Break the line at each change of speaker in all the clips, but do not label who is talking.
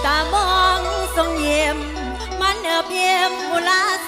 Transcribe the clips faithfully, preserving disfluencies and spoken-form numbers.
ตามองทรงเยี่ยมมันเอือบเยี่ยมมุลาใส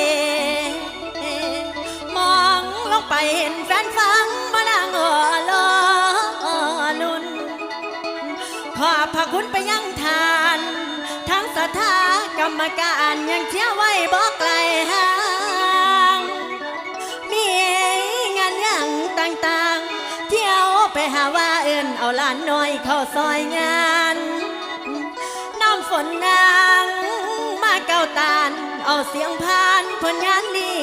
มองลงไปเห็นแฟนฟังมานั่งอ่อลอลุนขอบพระคุณไปยังทานทั้งสถากรรมการยังเชี่ยวไว้บอกไกลห่างมีงานอย่างต่างๆเที่ยวไปหาว่าเอื่นเอาหลานน้อยเข้าซอยงานน้ำฝนนางมาเก้าตานเอาเสียงพานผลงานดี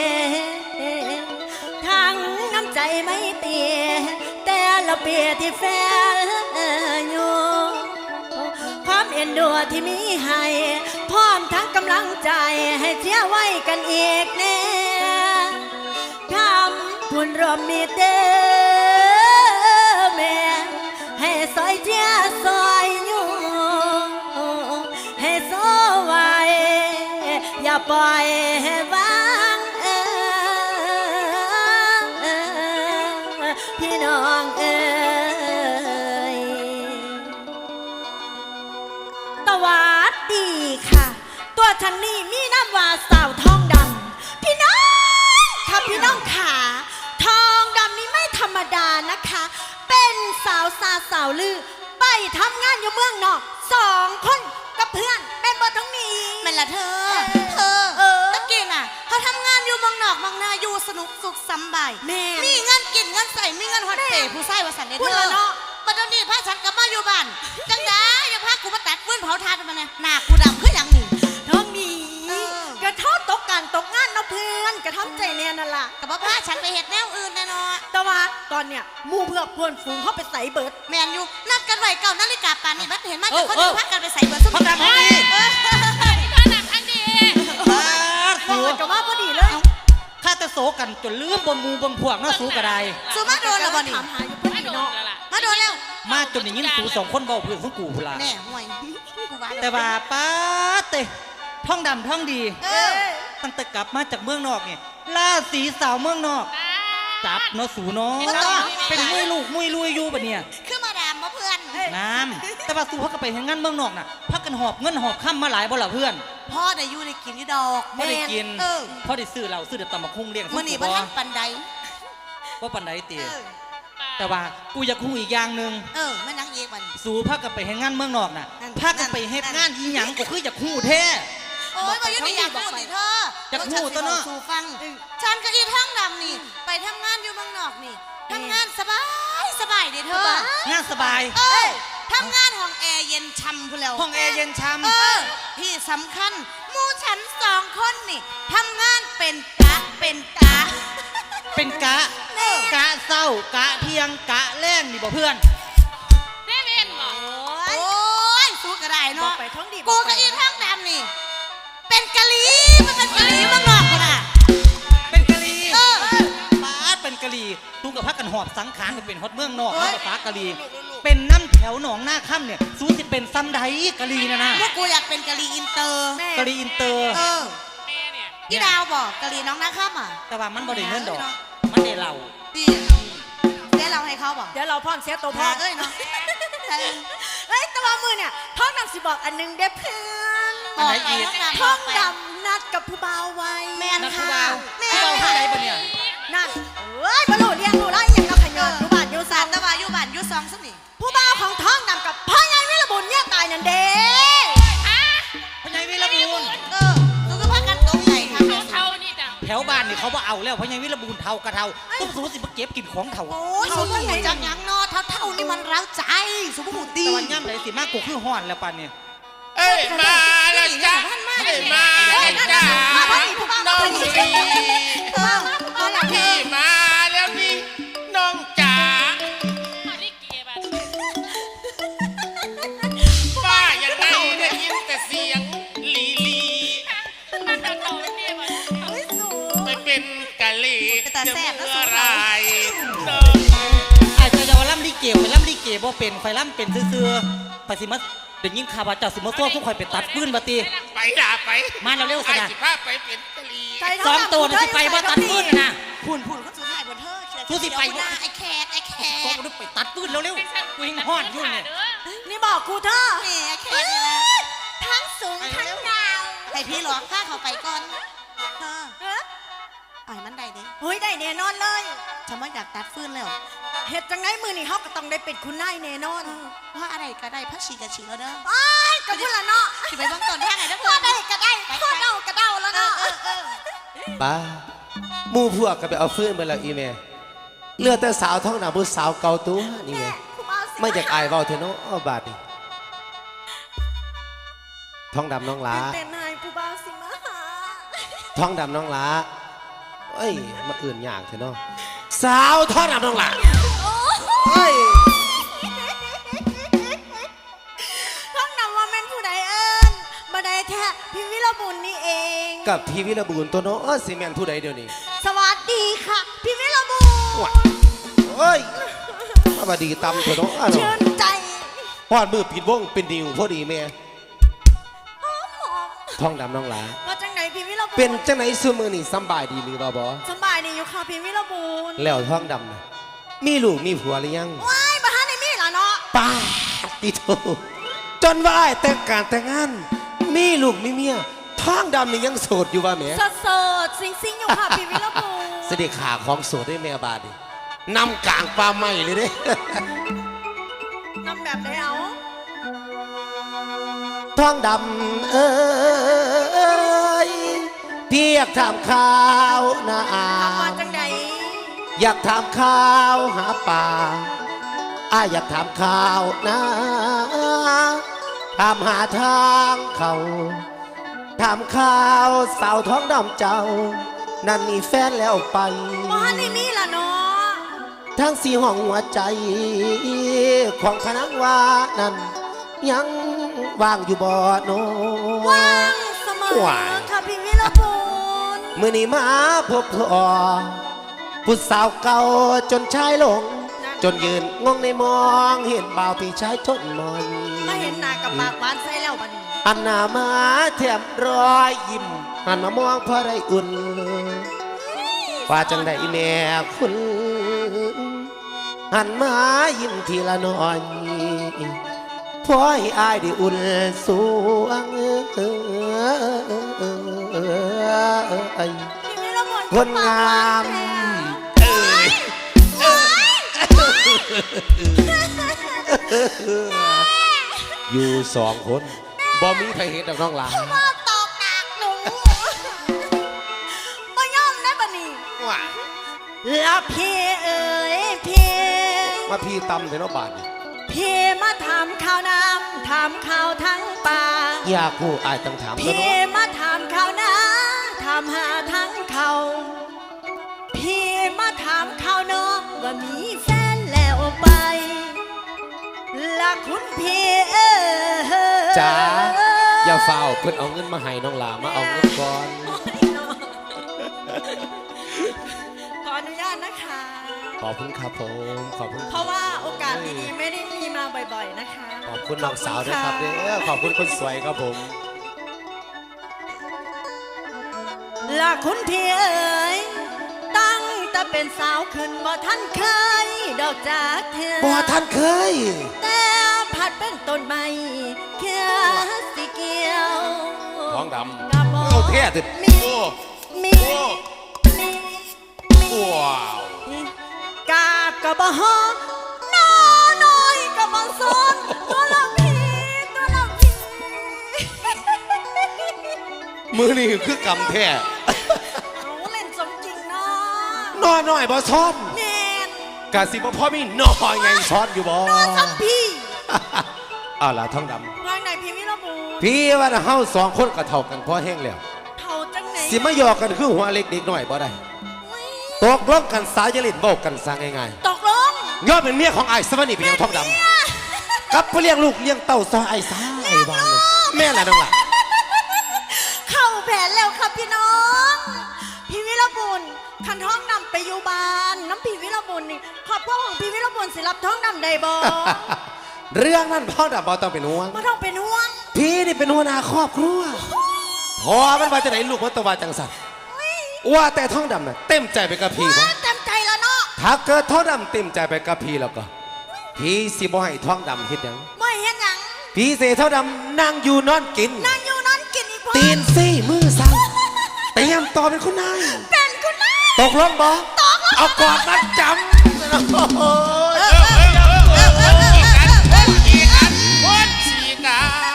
ทั้งน้ำใจไม่เตียแต่ละเปียที่แฟนอยู่ความเอ็นดูที่มีให้พร้อมทั้งกำลังใจให้เชียร์ไว้กันอีกแน่คำพูนรวมมีเต้แม่ให้ซอยเชียร์ซอยอยู่ให้โซไว้อย่าปล่อยให้วางเออพี่น้องเอ๋ยสวัสดีค่ะตัวฉันนี่มีน้ำว่าสาวทองดำพี่น้องค่ะพี่น้องขาทองดำนี่ไม่ธรรมดานะคะเป็นสาวซาสาวลือไปทำงานอยู่เมืองนอกสองคนกับเพื่อนเป็นบททั้งนี้
แม่ละเธอเธอตะกี้น่ะเขาทำงานอยู่เมืองนอกเมืองนาอยู่สนุกสุขสบายมีเงินกินเงินใส่มีเงินฮอตเตะผู้ชายวาสันเดเธอบัดนี้พาฉันกลับมาอยู่บ้านจังได้อย่าพากูมาตัดฟืนเผาทานมาเนี่ยหน้ากูดำคืออย่างนี้
ท้องมีกระทอตกการตกงานเนาะเพื่อนกระทำใจเนี่ยนั่นล่ะ
กับพาฉันไปเห็ดแนวอื่นแน่นอน
แต่ว่าตอนเนี้ยมูเพื่อเพื่อนฝูงเขาไปใส่เบิร์ด
แมนอยู่นัดกันไว้เก่านาฬิกาป่านนี้บัดเห็นมาจากคนอื่นพากันไปใส่เบิร์ด
สมัยนี้
ก็หนักอันดี
ฟังเลยก็ว่าพอดีเลย
ข้าจะโศกันจนลืมบนมูบนพวกน่าสู้กระได
สู้มาโดนแล้วบ่นี่
ถามหาอยู่พอดีเนาะ
มาโดนแล้ว
มาจนอย่างนี้สู้สองคนเบาเพื่อนของกูพูละ
แน่ห่วย
แต่ว่าป้าเตะท่องดำท่องดีตั้งแต่กลับมาจากเมืองนอกเนี่ยล่าสีสาวเมืองนอกจับเนาะสูเนาะเป็นมุ้ยลูกมุ้ยลุยอยู่ปะเนี่ย
คือมาดามมาเพื่อน
น้ำแต่ว่าสู้พักกันไปเห็นงานเมืองนอกน่ะพักกันหอบเงินหอบข้ามมาหลายบ่ล่ะเพื่อน
พ่อได้อยู่ได้กินนี่ดอก
พ่อได้กินพ่อได้ซื้อเราซื้อเด็ดตำมะคุ้งเลี้ยง
มื่อนี่พ่อทั้งปันใด
ว่าปันใดเตี๋ยแต่ว่ากูอยากคู่อีกอย่างหนึ่ง
เออไม่นังเอกมัน
สู้พักกันไปเห็นงานเมืองนอกน่ะพักกันไปเฮ็ดงานอีหยังก็คืออยากคู่แท้
โอ้ยมาอยู่ในอยากพูดสิเธอ
อยากพูดตัวเนาะ
สู่ฟังฉันก็อีท้องดำนี่ไปทำงานอยู่เมืองนอกนี่ทำงานสบายสบายดิเธอง
านสบาย
เออทำงานห้องแอร์เย็นช่ำพูแล้ว
ห้องแอร์เย็นช่ำ
เออที่สำคัญมู่ฉันสองคนนี่ทำงานเป็นกะเป็นกะ
เป็นกะกะเศร้ากะเที่ยงกะแรงนี่บ่เพื่อน
เน่เมนบอกโอ้ยสู้กระไดเนาะกูกับอีท้องดำนี่เป็นกะลีมันเป็นกะลีเมืองนอกคนน่ะ
เป็นกะลีเออป้าเป็นกะลีตูกับพักกันหอบสังขารเป็นฮอดเมืองนอกแล้วป้ากะลีเป็นน้ำแถวหนองหน้าค่ำเนี่ยสู้สิเป็นซ้ำใดกะลีนะนะ
พวกกูอยากเป็นกะลีอินเตอร์
กะลีอินเตอร์
เออพี่ดาวบอกกะลีน้องหน้าค่ำอ่ะ
แต่ว่ามันบ่ได้เงินดอกมันได้เหล่า
ดีเดี๋ยวเราให้เขาบอก
เดี๋ยวเราพ่อเสียตัวพ่อ
เอ้ยเนาะ
เฮ้ยแต่ว่ามือเนี่ยท้องดำสิบอกอันนึงเด้เพื่อน
อันไหนอีก
ท้องดำนัดกับผู้บ่าวไว้
แม่นค่ะ
แม่ผู้บ่าวที่ไหนปะเนี่ย
นั่นเอ้ยบรรลุเรียนรู้แล้วอย่างเราขยันอยู่บ้านอยู่ซาน
แต่ว่าอยู่บ้านอยู่ซองสักนี่
ผู้บ่าวของท้องดำกับพ่อใหญ่วิรบุญเนี่ยตายนั่นเด้
พ่อใหญ่วิรบุญ
เออตัวก็พักกันตรงใหญ่ค่ะ
เท่านี่จ้ะ
แถวบ้านนี่เขาว่าเอาแล้วพ่อใหญ่วิรบุญเท่ากระเท่าต้องสู้สิมาเก็บกินของเท่า
โอ้ยสมบูรณ์จังยังนอเท่าเท่านี่มันร้าวใจสมบูรณ์ดี
แต่วันย่ำไหนสิมากกูคือห่อนแล้วปันเนี่ย
เอ้ยมาแล้วจ้ะเอ้ยมาแล้วจ้ะน้องลีพี่มาแล้วนี่น้องจ๋าป้ายังไงได้ยินแต่เสียงลีลีไม่เป็นกะลีจะเมื่อไร
อาจจะจะว่าล่ำลิเกไปล่ำลิเกบ่เป็นไฟล่ำเป็นซื่อๆไปสิมาเดี๋ยวยิ่งข่าวว่าเจ้าสิมาตัวทุกคนไปตัดปืนบัตี
ไปด่าไป
มาเร็วๆสินะ
ไปเป็นกะลี
สองตัวนี่ไปว่าตัดปืนนะ
พูนพูนเขาสุดท้ายบนเธอ
ทุสิไปว่า
ไอ้แขกไอ้แขก
ก็ไปตัดปืนเร็วๆกูยิงห่อนยุ่งเนี่ย
นี่บอกกูเธอ
นี่ไอ้แขกนี่นะพี่หรอกข้าเขาไปก่อนเธอ
เอ้อ
อ่อยมันได้เด้
เฮ้ยได้แน่นอนเลย
ฉันว่าอยากตัดฟื้นแล้ว
เฮ็ดจังไดมือนี่เฮาก็ต้องได้เป็นคุณนายแน่นอน
เพราะอะไรก็ได้พระชีกับชีแล้วเด้อ
ไอ้ายก็พุ่นละเนาะ
สิไปเบิ่งต้นทางไหนเด้อ
ก็ได้ก็ได้ก็เดาก็เดาแล้วเนาะ
ป้าหมู่พวกก็ไปเอาฟื้นไปแล้วอีแม่เหลือแต่สาวท้องหนาผู้สาวเก่าตัวนี่แม่
ผู้บ่าวสิ
ไม่อยากอายเว้าเถอะเนาะอ้อบาดนี่ท้องดำน้องหลา
เป็นนายผู้บ่าวสิมาหา
ท้องดำน้องหลาเอ้ยมาอื่นยากเถอะเนาะสาวท้องดำน้องหลาเอ้ย
ท้องนำว่าแม่นผู้ใดเอิ้นบ่ได้แท้พี่วิรบุญนี่เอง
กับพี่วิรบูลตัวเนาะเอ้ยสิแม่นผู้ใดเดี๋ยวนี้
สวัสดีค่ะ พี่วิรบุญ
ว้าเอ้ยมาบดีตำเถอะเนาะอ้าว
ชื่
เนาะ
นใจ
พอดมือปิดวงเป็นดิวพอดีแม่
หอมหอม
ท้องดำน้องหลา
ว่าจังไหนพี่วิรบุญ
เป็นจังไหนซุมือนี่สำบายดีหรือบ่บ่
สบายดีอยู่ค่ะพี่วิรบุญ
แล้วท้องดำน่ะมีลูกมีผัวหรือยัง
ว้ายบ่ทันได้มีล่ะเนาะ
ป้าติโตจนว่าไอ้แต่งการแต่งงาน มีลูกมีเมียท้องดำนี่ยังโสดอยู่ว่าแหม่
สดสดๆซิงๆอยู่ค่ะพี่วิรบุญ
เสด็จขาของโสดได้แม่บาดนี่นำกลางป่าไม้เลยเด้
นำแบบไหนเอา
ท้องดำเอ้ยพี่อยากถามข่าวนะอา
ถามว่าจังใด
อยากถามข่าวหาป่าอาอยากถามข่าวนะถามหาทางเขาถามข่าวสาวท้องดำเจ้า นั่นมีแฟนแล้วไป
บ่ทันได้มีล่ะเนาะ
ทั้งสี่ห้องหัวใจ ของคณะว่านั้น ยังว่างอยู่บ่โน
ว่างเสมอ
ว้าย
ค่ะพี่วิรบุญ
มื่อนี้มาพบพ่อผู้สาวเก่าจนชายหลง จนยืนงงในมองเห็นบ่าวพี่ชายทนมอน
มาเห็นหน้ากับปากหวานใส่แล้วบัดนี้
อันหน้ามาแถมรอยยิ้มหันมามองพอได้อุ่นว่าจังได้แม่คุณหันมายิ้มทีละน้อยพอให้อายได้อุ่นสวงเอ้ย
พี่วิรบุญ
คนงาม
เอ้ยเอ้ย
อยู่สองคนบ่มีใครเห็นดอกน้องหลาน
มาตอกหนักหนูบ่ยอมได้บัดนี้
ว้า
แล้วพี่เอ๋ยพี่
มาพี่ตำเถอะเนาะบาดนี่
พี่มาถามข่าวน้ำถามข่าวทั้งป่า
อยากผู้อายต้องถามแล้ว
พี่
เนาะ
มาถามข่าวน้ำถามหาทั้งเขาพี่มาถามข่าวน้องว่ามีแฟนแล้วไปละคุณพี่เอ๋ย
จ๋าอย่าเฝ้าเพิ่นเอาเงินมาให้น้องหลามาเอาเงินก่อน
โอ้ยเนาะขออนุญาตนะคะ
ขอบคุณครับผมขอบคุณ
เพราะว่าโอกาสดีๆไม่ได้มีมาบ่อยๆนะคะ
ขอบคุณน้องสาวด้วยครับเด้อขอบคุณคนสวยครับผม
ละคุณพี่เอ๋ยตั้งแต่เป็นสาวขึ้นบ่ท่านเคย ดอกจากเธอ
บ่ท่านเคย
แต่ผัดเป็นต้นไม้แค่สิเกี่ยว
ท้องด
กระบอ
ำเอาแท้ติ
มี
โอ้
มี
โอ้
มีมี
ว้าว
กาบกระบอน้อน้อยกระบอซ้อนตัวละพี่ตัวละพี่
มือนี่คือกำแท้
เอาเล่นสมจริงเนาะ
น้อยน้อยบ่ซ้อน
แน่น
กะสิบ่พ่อมีน้อยไงซ้อนอยู่บ่
นอนสักพี่
เอาล่ะท้องด
วางไหนพี่วิรบูร
ำพี่ว่าเฮาสองคนก็เท่ากันพอแห้งแล้ว
เท่าจังไหน
สิมาหยอกกันคือหัวเล็กเด็กน้อยบ่ได้
อุ๊ย
ตกลงกันสายจะเล่นเว้ากันซะง่าย
ตกลง
ๆยอดเป็นเมียของไอ้สวนีเป็นหยังท้องดำกับผู้เลี้ยงลูกเลี้ยงเต้าซอยไอ้สายวางเลยแม่ล่ะน้องหล่ะ
เข้าแผนแล้วครับพี่น้อง พี่วิรบุญคันท้องนำไปอยู่บ้านน้ำพี่วิรบุญนี่ขอบพ่อของพี่วิรบุญสิรับท้องนำได้บ่
เรื่องนั้นพ่อดำบ่ต้องเป็นห่วง
ไม่ต้องเป็นห่วง
พี่นี่เป็นหัวหน้าครอบครัวพอมันว่าจะไหนลูกมันตวาจังสันว่าแต่ท้องดำน่ะเต็มใจไปกับพี่บ่
ว้าเต็มใจแล้วเนาะ
ถ้าเกิดท้องดำเต็มใจไปกับพี่แล้วก็ พี่สิบ่ให้ท้องดำเฮ็ดหยัง
ไม่เห็นหยัง
พี่เสท้องดำนั่งอยู่นอนกิน
นั่งอยู่นอนกินอีกพ่อ
ตีตีนซี่มือสั่งเตรียมต่อเป็นคุณนาย
เป็นคุณนาย
ตกลงบ่เอากอดมาจำโอ้ย
ขี่กันคนขี่กัน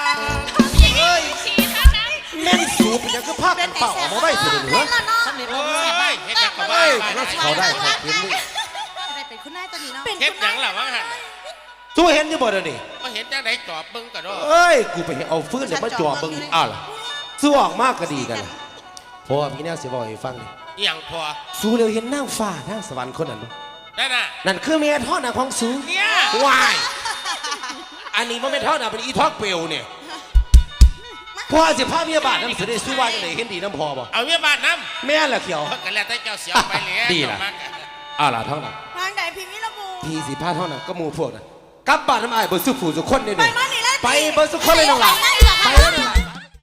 แม่นสูบยังคือภาพกันเป่าออกมาไว้สุดเหนือ
โอ้ยเฮ็ดหยังกับบ้า
เฮ้ย
บ้า
เราเขาได้เขาเห็นนี่
ได้เป็นคุณนายตัวนี้เนาะ
เป็น
เฮ็ด
คุณ
หยั
นาง ย
ล่ะวะหั่น
สู้เห็นอยู่บ่เดี๋ยวนี้
บ่เห็นจังได๋จอบเบิ่งก็ดอ
เอ้ยกูไปเอาฟื้นเดี๋ยวมาจ่อเบิ่งอ้าวล่ะสู้ออกมากก็ดีกันล่ะเพราะว่าพี่แนวสิบอกให้ฟังนี่
อีหยังพอ
สู้เร็วเห็นนางฟ้านางสวรรค์คนนั้นบ่
นั่นน่ะ
นั่นคือเมียท่อนางของสูง
เนี่ย
วายอันนี้มันไม่ท่อนางเป็นอีทอกเปลวเนี่ยพ่อสิพาเมียบาทน้ำเสด็จสู้ว่าจังไดเห็นดีน้ำพอบ่
เอาเมียบ้านนำ
แม่นล่ะเขียว
ก็แล้วแต่เจ้าเสียวไปแล้ว
ดีล่ะ อ้าวล่ะท่องน่ะ
ทางใดพี่วิรบู
พี่สิพาท่องน่ะก็หมู่พวกน่ะกลับบ้านน้ำอ้ายเบ่สุผู้สุคนนี่
ไป
นี่
มานี่เลย
ไปเบ่สุคนเลยน้องหล่ะไปเลย